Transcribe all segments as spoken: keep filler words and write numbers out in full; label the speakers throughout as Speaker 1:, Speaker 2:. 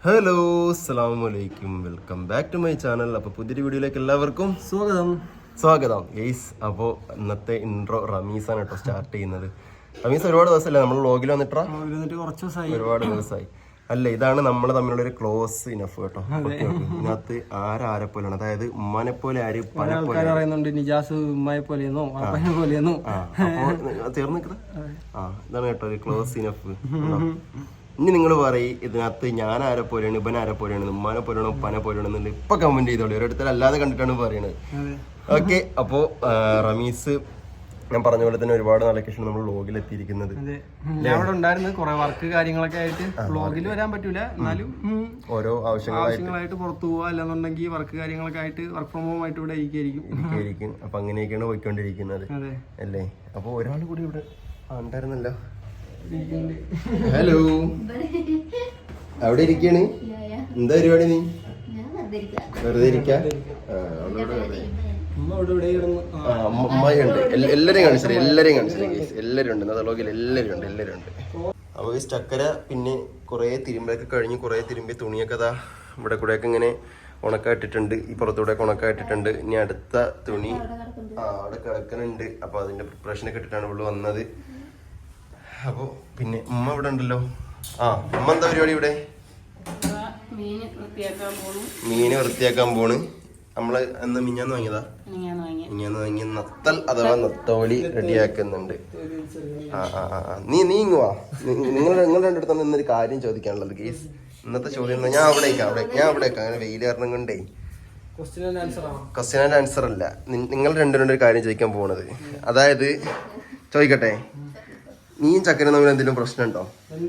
Speaker 1: Hello അസ്സലാമലൈക്കും, welcome back to my channel. അപ്പോൾ പുതിയൊരു വീഡിയോയിലേക്ക് എല്ലാവർക്കും
Speaker 2: സ്വാഗതം
Speaker 1: സ്വാഗതം ഗെയ്സ്. അപ്പോൾ ഇന്നത്തെ ഇൻട്രോ റമീസാണ് കേട്ടോ സ്റ്റാർട്ട് ചെയ്യുന്നത്. റമീസ് ഒരുപാട് ദിവസമല്ലേ നമ്മൾ വ്ളോഗിൽ വന്നിട്ടാ?
Speaker 2: കുറച്ച് ദിവസമായി,
Speaker 1: ഒരുപാട് ദിവസമായി അല്ല. ഇതാണ് നമ്മൾ തമ്മിലുള്ള ഒരു ക്ലോസ് ഇനഫ് കേട്ടോ. ഇതിനകത്ത് ആരാരെ പോലെയാണ്, അതായത് ഉമ്മാനെ പോലെ ആര്
Speaker 2: പറയുന്നുണ്ട്, നിജാസ് ഉമ്മയെ പോലെയെന്നോ അപ്പനെ പോലെയെന്നോ.
Speaker 1: അപ്പോൾ തീർന്നു നിൽക്കുന്നത്. ആ ഇതാണ് കേട്ടോ ഒരു ക്ലോസ് ഇനഫ്. ഇനി നിങ്ങൾ പറയും ഇതിനകത്ത് ഞാൻ ആരെ പോലെയാണ്, ഇവൻ ആരെ പോലെയാണ്, ഉമ്മാനെ പോലെയാണോ ഉപ്പാനെ പോലെയാണോ എന്നുള്ളത് ഇപ്പൊ കമന്റ് ചെയ്തോളൂ. ഒരിടത്തിൽ അല്ലാതെ കണ്ടിട്ടാണ് പറയണത്. ഓക്കെ, അപ്പോൾ റമീസ് ഞാൻ പറഞ്ഞ പോലെ തന്നെ ഒരുപാട് ലൊക്കേഷൻ നമ്മൾ വ്ളോഗിൽ എത്തിയിരിക്കുന്നത്.
Speaker 2: അവിടെ ഉണ്ടായിരുന്നു കുറെ വർക്ക് കാര്യങ്ങളൊക്കെ ആയിട്ട് വ്ളോഗിൽ വരാൻ പറ്റൂല, എന്നാലും
Speaker 1: ഓരോ
Speaker 2: ആവശ്യങ്ങളായിട്ട് പുറത്തു പോവാ, അല്ലാന്നുണ്ടെങ്കിൽ വർക്ക് കാര്യങ്ങളൊക്കെ ആയിട്ട് വർക്ക് ഫ്രം ഹോം ആയിട്ട് ഇവിടെ ഇരിക്കും.
Speaker 1: അപ്പൊ അങ്ങനെയൊക്കെയാണ് പോയിക്കൊണ്ടിരിക്കുന്നത് അല്ലേ. അപ്പൊ ഒരാൾ കൂടി ഇവിടെ ഉണ്ടായിരുന്നല്ലോ. ഹലോ, അവിടെ ഇരിക്കാണ്. എന്താ പരിപാടി? നീ വെറുതെ ഇരിക്കാ? അമ്മയുണ്ട്, എല്ലാരെയും കാണിച്ചത് എല്ലാരെയും കാണിച്ചത് എല്ലാരും ഉണ്ട്. ഇന്നത്തെ വ്ളോഗിൽ എല്ലാരും ഉണ്ട് എല്ലാരും ഉണ്ട്. അപ്പൊ ഈ ചക്കര പിന്നെ കുറെ തിരുമ്പൊക്കെ കഴിഞ്ഞ് കുറെ തിരുമ്പി തുണിയൊക്കെ അതാ ഇവിടെ കൂടെയൊക്കെ ഇങ്ങനെ ഉണക്കായിട്ടിട്ടുണ്ട്. ഈ പുറത്തൂടെ ഉണക്കായിട്ടിട്ടുണ്ട്. ഇനി അടുത്ത തുണി ആ അവിടെ കിടക്കുന്നുണ്ട്. അപ്പൊ അതിന്റെ പ്രിപ്പറേഷനൊക്കെ ഇട്ടിട്ടാണ് ഇവിടെ വന്നത്. അപ്പൊ പിന്നെ ഉമ്മ ഇവിടെ ഉണ്ടല്ലോ. ആ ഉമ്മ എന്താ പരിപാടി ഇവിടെ? മീന് വൃത്തിയാക്കാൻ പോണ്. നമ്മള് എന്ന് മിഞ്ഞാന്ന് വാങ്ങിയതാ, മിഞ്ഞാന്ന് വാങ്ങിയ നത്തൽ അഥവാ നത്തോലി റെഡിയാക്കുന്നുണ്ട്. ആ ആ ആ നീ നീ ഇങ്ങുവാ. നിങ്ങൾ നിങ്ങളുടെ രണ്ടു അടുത്താണ് ഇന്നൊരു കാര്യം ചോദിക്കാനുള്ളത് ഗേസ്. ഇന്നത്തെ ചോദ്യം ഞാൻ അവിടേക്കാ അവിടെ ഞാൻ അവിടേക്കാ അങ്ങനെ വെയിൽ കാരണം കൊണ്ടേ ക്വസ്റ്റ്യൻ ആൻഡ് ആൻസർ അല്ല. നിങ്ങൾ രണ്ടുപേരുടെ ഒരു കാര്യം ചോദിക്കാൻ പോണത്. അതായത് ചോദിക്കട്ടെ, നീയും ചക്കരയും തമ്മിൽ എന്തെങ്കിലും പ്രശ്നമുണ്ടോ?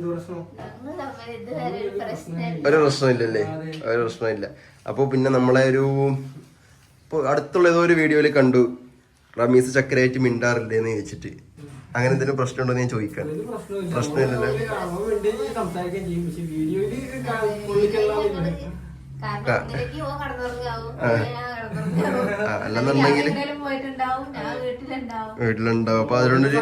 Speaker 1: ഒരു പ്രശ്നമില്ലല്ലേ? ഒരു പ്രശ്നമില്ല. അപ്പോൾ പിന്നെ നമ്മളെ ഒരു ഇപ്പോൾ അടുത്തുള്ള ഏതോ ഒരു വീഡിയോയിൽ കണ്ടു റമീസ് ചക്കരയായിട്ട് മിണ്ടാറില്ലേന്ന് ചോദിച്ചിട്ട്. അങ്ങനെ എന്തെങ്കിലും പ്രശ്നമുണ്ടോ എന്ന് ഞാൻ ചോദിക്കാൻ. പ്രശ്നമില്ലല്ലോ. അല്ലെന്നുണ്ടെങ്കിൽ വീട്ടിലുണ്ടാവും. അപ്പൊ അതുകൊണ്ടൊരു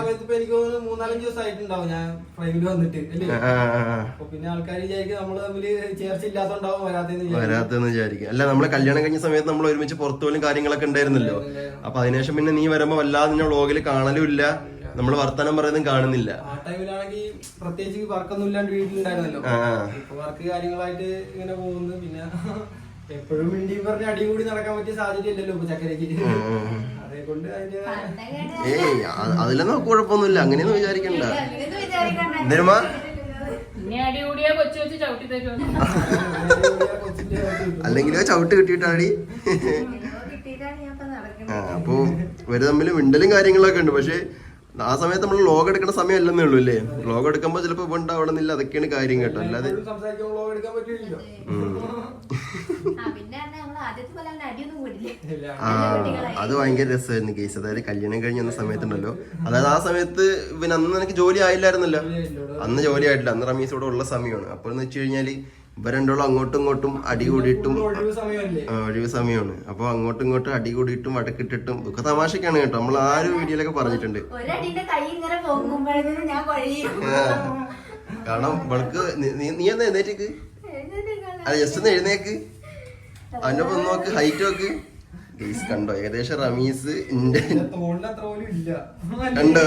Speaker 1: വരാത്തെന്ന് വിചാരിക്കും. അല്ല, നമ്മള് കല്യാണം കഴിഞ്ഞ സമയത്ത് നമ്മൾ ഒരുമിച്ച് പുറത്തു പോലും കാര്യങ്ങളൊക്കെ ഉണ്ടായിരുന്നല്ലോ. അപ്പൊ അതിനുശേഷം പിന്നെ നീ വരുമ്പോ വല്ലാതെ നിന്നെ വ്ളോഗിൽ കാണലും ഇല്ല, നമ്മള് വർത്തമാനം പറയുന്നതും കാണുന്നില്ല.
Speaker 2: ആ ടൈമിലാണെങ്കിൽ പ്രത്യേകിച്ച് വർക്കൊന്നും ഇല്ലാണ്ട് വീട്ടിലുണ്ടായിരുന്നല്ലോ. വർക്ക് കാര്യങ്ങളായിട്ട് ഇങ്ങനെ പോകുന്നു. പിന്നെ എപ്പോഴും മിണ്ടി പറഞ്ഞ അടി കൂടി നടക്കാൻ പറ്റിയ സാഹചര്യം ഇല്ലല്ലോ ഇപ്പൊ ചക്കരക്ക്. അതേകൊണ്ട്
Speaker 1: ഏയ് അതിലൊന്നും കുഴപ്പമൊന്നുമില്ല, അങ്ങനെയൊന്നും വിചാരിക്കണ്ട. എന്തേരുമാ അല്ലെങ്കിലോ ചവിട്ട് കിട്ടിയിട്ടാടി. ആ അപ്പൊ ഇവര് തമ്മിൽ മിണ്ടലും കാര്യങ്ങളൊക്കെ ഉണ്ട്. പക്ഷെ ആ സമയത്ത് നമ്മൾ വ്ളോഗ് എടുക്കുന്ന സമയം അല്ലെന്നേ ഉള്ളൂ അല്ലേ. വ്ളോഗ് എടുക്കുമ്പോ ചിലപ്പോ ഇപ്പൊ ഉണ്ടാവണമെന്നില്ല. അതൊക്കെയാണ് കാര്യം കേട്ടോ. അല്ലാതെ ആ അത് ഭയങ്കര രസമായിരുന്നു കേസ്. അതായത് കല്യാണം കഴിഞ്ഞ് വന്ന സമയത്തുണ്ടല്ലോ, അതായത് ആ സമയത്ത് പിന്നെ അന്ന് എനിക്ക് ജോലി ആയില്ലായിരുന്നല്ലോ. അന്ന് ജോലി ആയിട്ടില്ല, അന്ന് റമീസ് ഇവിടെ ഉള്ള സമയമാണ്. അപ്പോൾ എന്ന് വെച്ച് കഴിഞ്ഞാല് ഇവ രണ്ടോളം അങ്ങോട്ടും ഇങ്ങോട്ടും അടി കൂടിയിട്ടും ഒഴിവ് സമയമാണ്. അപ്പൊ അങ്ങോട്ടും ഇങ്ങോട്ടും അടി കൂടിയിട്ടും വടക്കിട്ടിട്ടും ഒക്കെ തമാശക്കാണ് കേട്ടോ. നമ്മൾ ആ ഒരു വീഡിയോയിലൊക്കെ പറഞ്ഞിട്ടുണ്ട്. കാരണം ഇവൾക്ക് നീ എന്താ എഴുന്നേറ്റേക്ക്? അത് ജസ്റ്റ് ഒന്ന് എഴുന്നേക്ക്. അതിന്റെ ഒപ്പം നോക്ക്, ഹൈറ്റ് നോക്ക് ഗെയ്സ്. കണ്ടോ ഏകദേശം റമീസ് കണ്ടോ?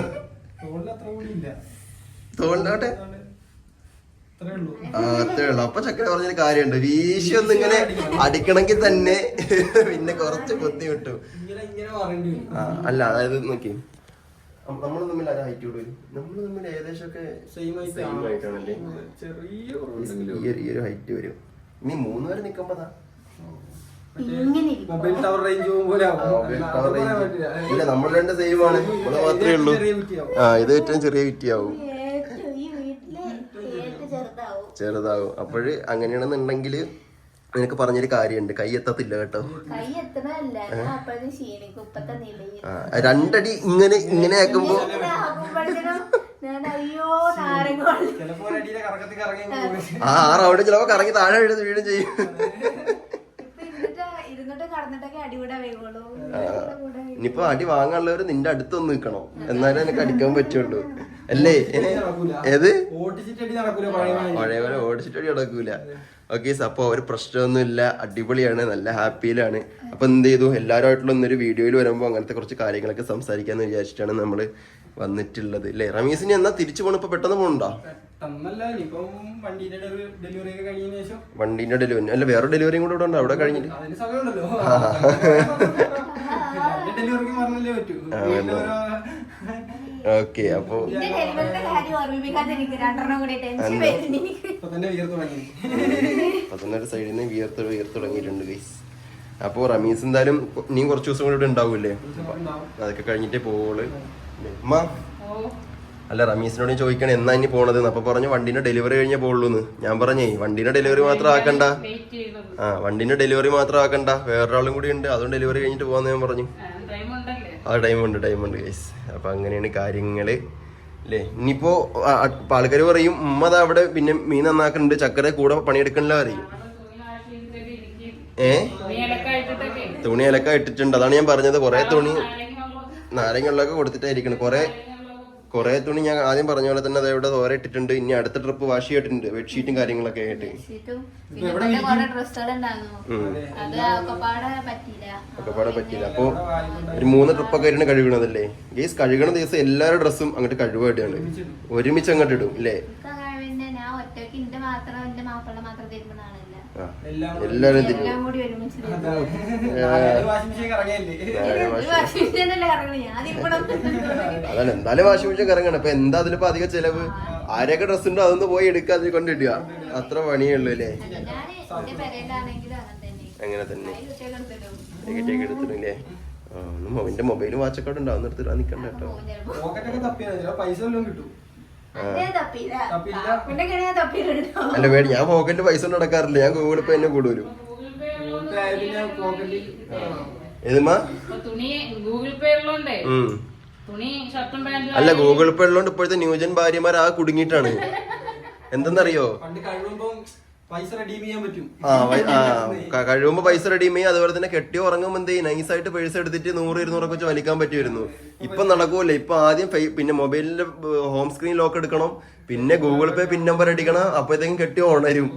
Speaker 1: തോളിലോട്ടെ ആ അത്രേ ഉള്ളു. അപ്പൊ ചക്കര പറഞ്ഞൊരു കാര്യമുണ്ട്, വീശി ഒന്നും ഇങ്ങനെ അടിക്കണമെങ്കിൽ തന്നെ പിന്നെ കുറച്ച് ബുദ്ധി വിട്ടു. ആ അല്ല, അതായത് നോക്കി നമ്മൾ തമ്മിൽ ആരാ ഹൈറ്റ് കൂടി വരും? നമ്മൾ തമ്മിൽ ഏകദേശം ഒക്കെ സെയിം ആയിട്ടാണല്ലേ, ഈ ഒരു ഹൈറ്റ് വരും. ഇനി മൂന്ന് പേര് നിക്കുമ്പോതാ
Speaker 2: മൊബൈൽ ടവർ റേഞ്ച്
Speaker 1: ഇല്ല, നമ്മൾ രണ്ട് സെയിം ആണ്. ഇവിടെ മാത്രമേ ഉള്ളൂ. ആ ഇത് ഏറ്റവും ചെറിയ വിറ്റിയാവും, ചെറുതാവും. അപ്പോഴ് അങ്ങനെയാണെന്നുണ്ടെങ്കിൽ നിനക്ക് പറഞ്ഞൊരു കാര്യമുണ്ട്, കൈ എത്തത്തില്ല കേട്ടോ. രണ്ടടി ഇങ്ങനെ ഇങ്ങനെ ആക്കുമ്പോ ആ റൗണ്ട് ചിലപ്പോ കറങ്ങി താഴെ വീഴും വീഴും ചെയ്യും. ഇനിയിപ്പോ അടി വാങ്ങാനുള്ളവര് നിന്റെ അടുത്തൊന്ന് നിൽക്കണം, എന്നാലും എനിക്ക് അടിക്കാൻ പറ്റുള്ളൂ അല്ലേ? ഏത് പഴയ പോലെ ഓടിച്ചിട്ടടി നടക്കൂല. ഓക്കെ, അപ്പൊ ഒരു പ്രശ്നമൊന്നും ഇല്ല, അടിപൊളിയാണ്, നല്ല ഹാപ്പിയിലാണ്. അപ്പൊ എന്ത് ചെയ്തു, എല്ലാവരുമായിട്ടുള്ള ഒന്നൊരു വീഡിയോയിൽ വരുമ്പോൾ അങ്ങനത്തെ കുറച്ച് കാര്യങ്ങളൊക്കെ സംസാരിക്കാന്ന് വിചാരിച്ചിട്ടാണ് നമ്മള് വന്നിട്ടുള്ളത് അല്ലേ? റമീസിന് എന്നാ തിരിച്ചു പോകണം? ഇപ്പൊ പെട്ടെന്ന് പോകണ്ടോ? വണ്ടീന്റെ ഡെലിവറി അല്ല, വേറെ ഡെലിവറിയും കൂടെ ഇവിടെ ഉണ്ടോ അവിടെ കഴിഞ്ഞിട്ട്? ഓക്കെ, അപ്പൊ പതിനൊരു സൈഡിൽ നിന്ന് വിയർത്ത് വിയർത്ത് തുടങ്ങിയിട്ടുണ്ട് ഗൈസ്. അപ്പൊ റമീസ് എന്തായാലും നീ കുറച്ച് ദിവസം കൂടെ ഇവിടെ ഉണ്ടാവൂല്ലേ? അതൊക്കെ കഴിഞ്ഞിട്ടേ പോവുള്ളൂ. അമ്മ അല്ല, റമീസിനോട് ചോദിക്കണം എന്നാ ഇനി പോണത്. അപ്പൊ പറഞ്ഞു വണ്ടിന്റെ ഡെലിവറി കഴിഞ്ഞേ പോവുള്ളൂന്ന്. ഞാൻ പറഞ്ഞേ വണ്ടിന്റെ ഡെലിവറി മാത്രം ആക്കണ്ട, ആ വണ്ടിന്റെ ഡെലിവറി മാത്രം ആക്കണ്ട, വേറൊരാളും കൂടി ഉണ്ട്, അതും ഡെലിവറി കഴിഞ്ഞിട്ട് പോകാന്ന് ഞാൻ പറഞ്ഞു. ആ ടൈമുണ്ട് ടൈമുണ്ട് ഗൈസ്. അപ്പൊ അങ്ങനെയാണ് കാര്യങ്ങള് അല്ലേ? ഇനിയിപ്പോ ആൾക്കാർ പറയും ഉമ്മ ദാ അവിടെ പിന്നെ മീൻ നന്നാക്കുന്നുണ്ട്, ചക്കര കൂടെ പണിയെടുക്കണില്ല പറയും. ഏ തുണി അലക്ക ഇട്ടിട്ടുണ്ട്, അതാണ് ഞാൻ പറഞ്ഞത്. കൊറേ തുണി നാരങ്ങ കൊടുത്തിട്ടായിരിക്കണം. കൊറേ കൊറേ തുണി ഞാൻ ആദ്യം പറഞ്ഞ പോലെ തന്നെ അതവിടെ തോര ഇട്ടിട്ടുണ്ട്. ഇനി അടുത്ത ട്രിപ്പ് വാഷ് ചെയ്തിട്ടുണ്ട്, ബെഡ്ഷീറ്റും കാര്യങ്ങളൊക്കെ ആയിട്ട്. ഒക്കെപ്പാടെ പറ്റിയില്ല. അപ്പൊ ഒരു മൂന്ന് ട്രിപ്പൊക്കെ ആയിട്ടാണ് കഴുകണതല്ലേ ഗേസ്? കഴുകണ ദിവസം എല്ലാവരുടെ ഡ്രസ്സും അങ്ങോട്ട് കഴുകായിട്ടാണ്, ഒരുമിച്ച് അങ്ങോട്ട് ഇടും അല്ലേ? എല്ലാരും അതാണ് എന്തായാലും വാഷിംഗ് മെഷീൻ ഇറങ്ങണം. അപ്പൊ എന്താ അതിലിപ്പോ അധികം ചെലവ്? ആരൊക്കെ ഡ്രസ് ഉണ്ടോ അതൊന്ന് പോയി എടുക്കുക, അതിൽ കൊണ്ടിടുക, അത്ര പണിയുള്ളൂ അല്ലേ? അങ്ങനെ തന്നെ എടുത്തിട്ടില്ലേ? എന്റെ മൊബൈലും വാച്ചൊക്കെ ഉണ്ട്, അതൊന്നും എടുത്തിട്ട് നിക്കണ്ട കേട്ടോ. അല്ല വേണ്ട, ഞാൻ പോക്കറ്റിൽ പൈസ ഒന്നും നടക്കാറില്ല, ഞാൻ ഗൂഗിൾ പേ എന്നെ കൂടുതലും. അല്ല ഗൂഗിൾ പേ ഉള്ളതുകൊണ്ട് ഇപ്പോഴത്തെ ന്യൂജൻ ഭാര്യമാർ ആ കുടുങ്ങിയിട്ടാണ്. എന്തെന്നറിയോ, ആ കഴിയുമ്പോ പൈസ റെഡീം ചെയ്യും, അതുപോലെ തന്നെ കെട്ടി ഉറങ്ങുമ്പോ എന്ത് ചെയ്യും, നൈസായിട്ട് പൈസ എടുത്തിട്ട് നൂറ് ഇരുന്നൂറൊക്കെ വെച്ച് വലിക്കാൻ പറ്റുമായിരുന്നു. ഇപ്പൊ നടക്കൂല. ഇപ്പൊ ആദ്യം പിന്നെ മൊബൈലിന്റെ ഹോം സ്ക്രീൻ ലോക്ക് എടുക്കണം, പിന്നെ ഗൂഗിൾ പേ പിൻ നമ്പർ അടിക്കണം, അപ്പോഴത്തേക്കും കെട്ടി ഉണരും.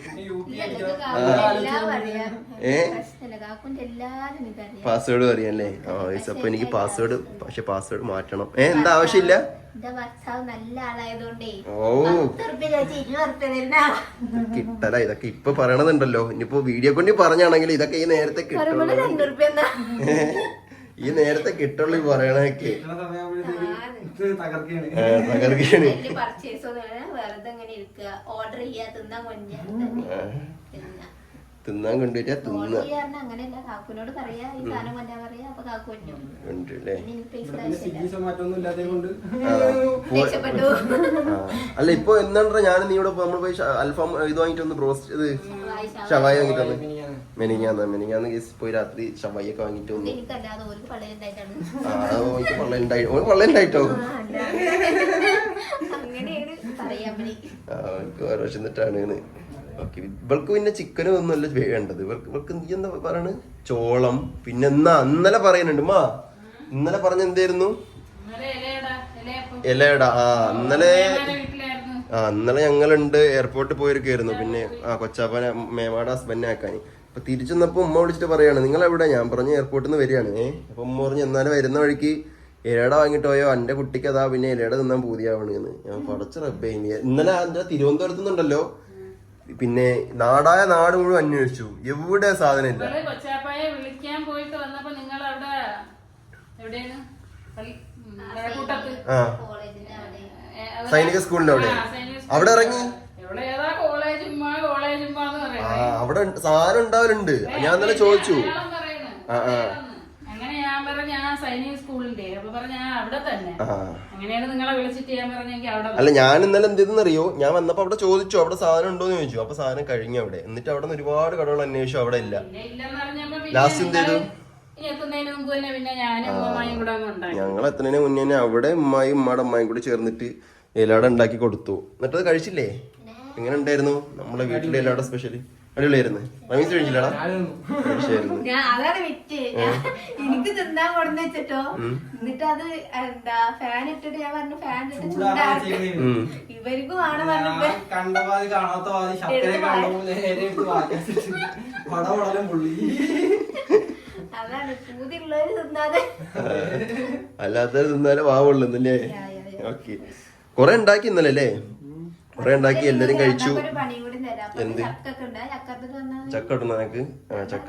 Speaker 1: ഏ പാസ്വേഡ് അറിയാല്ലേ? ആ അപ്പൊ എനിക്ക് പാസ്വേഡ്, പക്ഷെ പാസ്വേഡ് മാറ്റണം. ഏ എന്താ ആവശ്യമില്ല? ഓ കിട്ടല, ഇതൊക്കെ ഇപ്പൊ പറയണതുണ്ടല്ലോ. ഇനിയിപ്പോ വീഡിയോ കൊണ്ട് പറഞ്ഞാണെങ്കിൽ ഇതൊക്കെ ഈ നേരത്തെ കിട്ടുള്ളൂ, ഈ നേരത്തെ കിട്ടുള്ളൂ ഈ പറയണൊക്കെ. തകർക്കാണ്. തിന്നാൻ കൊണ്ടുവരാ തിന്ന അല്ല ഇപ്പൊ എന്താ ഞാൻ നീ ഇവിടെ നമ്മൾ പോയി അൽഫാം ഇത് വാങ്ങിട്ടൊന്ന് ബ്രോസ്റ്റ് ഇത് ഷവായി വാങ്ങിട്ടൊന്ന് മെനിങ്ങാന്ന് മെനിങ്ങാന്ന് കേസ് പോയി രാത്രി ഷവായി ഒക്കെ വാങ്ങിട്ട് വന്നു. ആ പള്ളണ്ടായിട്ടോ ഓരോ എന്നിട്ടാണ്. ഓക്കെ, ഇവൾക്ക് പിന്നെ ചിക്കനും ഒന്നുമല്ല വേണ്ടത്. ഇവർക്ക് ഇവൾക്ക് നീ എന്താ പറയണ്, ചോളം. പിന്നെ എന്നാ ഇന്നലെ പറയുന്നുണ്ട് മാ, ഇന്നലെ പറഞ്ഞ എന്തായിരുന്നു? ഇലയട. ആ ഇന്നലെ ആ ഇന്നലെ ഞങ്ങളുണ്ട് എയർപോർട്ടിൽ പോയിരിക്കായിരുന്നു. പിന്നെ ആ കൊച്ചാപ്പനെ മേമാടെ ഹസ്ബൻഡിനെ ആക്കാൻ. അപ്പൊ തിരിച്ചു വന്നപ്പോ ഉമ്മ വിളിച്ചിട്ട് പറയാണ് നിങ്ങൾ എവിടെ? ഞാൻ പറഞ്ഞ എയർപോർട്ടിൽ നിന്ന് വരികയാണ്. ഏഹ് അപ്പൊ ഉമ്മ പറഞ്ഞു എന്നാലും വരുന്ന വഴിക്ക് ഇലയട വാങ്ങിട്ട് പോയോ, എന്റെ കുട്ടിക്ക് അതാ പിന്നെ ഇലയട തിന്നാൻ പൂതിയാവണെന്ന്. ഞാൻ പടച്ച റബ്ബേ. ഇന്നലെ അതിന്റെ തിരുവനന്തപുരത്ത് നിന്നുണ്ടല്ലോ, പിന്നെ നാടായ നാട് മുഴുവൻ അന്വേഷിച്ചു, എവിടെ സാധനം ഇല്ല.
Speaker 3: വിളിക്കാൻ പോയിട്ട് വന്നപ്പോ നിങ്ങൾ അവിടെ എവിടെയാണ്?
Speaker 1: സൈനിക സ്കൂളിന്റെ അവിടെ അവിടെ ഇറങ്ങി. ആ അവിടെ സാധനം ഉണ്ടാവലുണ്ട്. ഞാൻ ഇന്നലെ ചോദിച്ചു. ആ ആ
Speaker 3: അങ്ങനെ ഞാൻ പറഞ്ഞ ഞാൻ സൈനിക സ്കൂളിന്റെ അപ്പൊ പറഞ്ഞ ഞാൻ അവിടെ തന്നെ. അങ്ങനെയാണ് നിങ്ങളെ വിളിച്ചിട്ട് ഞാൻ പറഞ്ഞെങ്കിൽ അവിടെ.
Speaker 1: അല്ല ഞാൻ ഇന്നലെ എന്ത് ചെയ്തെന്നറിയോ, ഞാൻ വന്നപ്പോ അവിടെ ചോദിച്ചു അവിടെ സാധനം ഉണ്ടോന്ന് ചോദിച്ചു. അപ്പൊ സാധനം കഴിഞ്ഞു അവിടെ. എന്നിട്ട് അവിടെ നിന്ന് ഒരുപാട് കടകൾ അന്വേഷിച്ചു, അവിടെ ഇല്ല. ലാസ്റ്റ് എന്ത് ചെയ്തു, ഞങ്ങൾ എത്തുന്നതിന് മുന്നേ അവിടെ ഉമ്മായും ഉമ്മയുടെ അമ്മായും കൂടി ചേർന്നിട്ട് ഇലട ഉണ്ടാക്കി കൊടുത്തു. എന്നിട്ട് അത് കഴിച്ചില്ലേ? എങ്ങനെ ഉണ്ടായിരുന്നു നമ്മളെ വീട്ടിലെ എല്ലാവരുടെ സ്പെഷ്യൽ? അടിപൊളിയായിരുന്നു. റമീസ് കഴിച്ചില്ലടാ?
Speaker 4: ഞാൻ അതാണ് വിറ്റ് എനിക്ക് തിന്നാൻ കൊടുന്ന് വെച്ചിട്ടോ. എന്നിട്ട് അത് എന്താ ഫാൻ ഇട്ടിട്ട് ഞാൻ പറഞ്ഞു ഫാൻ ഇട്ടിട്ട് ചൂടാക്കി ഇവർക്കും ആണ് പറഞ്ഞിട്ട്
Speaker 2: കണ്ടപാതി കാണാത്ത പാതി ശർക്കര കാണുമ്പോൾ നേരെ എടുത്ത് വാക്കി പടപടലും പുള്ളി.
Speaker 4: അതാണ് പൂതിയുള്ളവര് തിന്നാതെ
Speaker 1: അല്ലാത്തവര് തിന്നാലേ വാവുള്ളൂ എന്നല്ലേ? ഓക്കെ, കൊറേ ഉണ്ടാക്കി ഇന്നലെ അല്ലേ? കൊറേ ഉണ്ടാക്കി എല്ലാരും കഴിച്ചു. എന്ത് ചക്ക ഇടുന്ന നിനക്ക്? ആ ചക്ക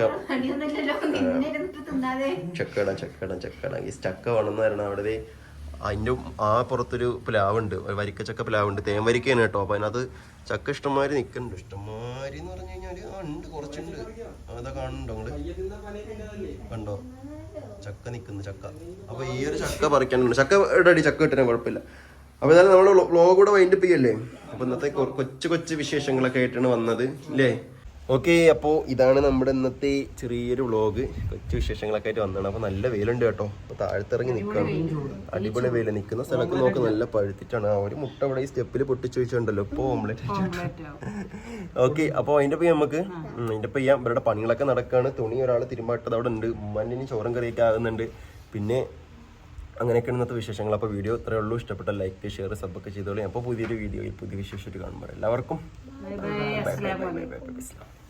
Speaker 1: ചക്കട ചക്കട ചക്കട ഈ ചക്ക വേണമെന്ന് പറയണ അവിടെ അതിന്റെ ആ പുറത്തൊരു പ്ലാവുണ്ട്, വരിക്ക ചക്ക പ്ലാവുണ്ട്, തേൻ വരിക്കയാണ് കേട്ടോ. അപ്പൊ അതിനകത്ത് ചക്ക ഇഷ്ടംമാതിരി നിക്കുന്നുണ്ട്. ഇഷ്ടംമാതിരി എന്ന് പറഞ്ഞു കഴിഞ്ഞാല് ആ ഉണ്ട്, കുറച്ചുണ്ട്. അതാ കാണുന്നുണ്ടോ നിങ്ങള്? കണ്ടോ ചക്ക നിക്കുന്നു ചക്ക. അപ്പൊ ഈ ഒരു ചക്ക പറിക്കാനുണ്ട്. ചക്ക ഇടടി, ചക്ക കിട്ടാൻ കുഴപ്പമില്ല. അപ്പൊ എന്നാലും നമ്മള് വ്ളോഗ് കൂടെ വൈൻഡപ്പ് ചെയ്യല്ലേ? അപ്പൊ ഇന്നത്തെ കൊച്ചു കൊച്ചു വിശേഷങ്ങളൊക്കെ ആയിട്ടാണ് വന്നത് അല്ലേ? ഓക്കെ, അപ്പോൾ ഇതാണ് നമ്മുടെ ഇന്നത്തെ ചെറിയൊരു വ്ളോഗ്. കൊച്ചു വിശേഷങ്ങളൊക്കെ ആയിട്ട് വന്നതാണ്. അപ്പൊ നല്ല വെയിലുണ്ട് കേട്ടോ. അപ്പൊ താഴത്തിറങ്ങി നിൽക്കണം. അടിപൊളി വെയിൽ. നിൽക്കുന്ന സ്ഥലത്ത് നോക്ക് നല്ല പഴുത്തിട്ടാണ്. ആ ഒരു മുട്ട അവിടെ ഈ സ്റ്റെപ്പിൽ പൊട്ടിച്ചു വെച്ചിട്ടുണ്ടല്ലോ. ഇപ്പോൾ ഓംലെറ്റ്. ഓക്കെ, അപ്പോൾ അതിന്റെ പോയി നമുക്ക് അതിന്റെ പോയി ചെയ്യാം. ഇവരുടെ പണികളൊക്കെ നടക്കുകയാണ്. തുണി ഒരാൾ തിരുമ്പാട്ടത് അവിടെ ഉണ്ട്. ഉമ്മാൻ്റെ ചോറും കറിയൊക്കെ ആകുന്നുണ്ട്. പിന്നെ അങ്ങനെയൊക്കെയാണ് ഇന്നത്തെ വിശേഷങ്ങൾ. അപ്പോൾ വീഡിയോ ഇത്രയേ ഉള്ളൂ. ഇഷ്ടപ്പെട്ട ലൈക്ക് ഷെയർ സബ്ബൊക്കെ ചെയ്തോളൂ. അപ്പോൾ പുതിയൊരു വീഡിയോയിൽ പുതിയ വിശേഷമായിട്ട് കാണുമ്പോൾ എല്ലാവർക്കും bye bye bye bye by.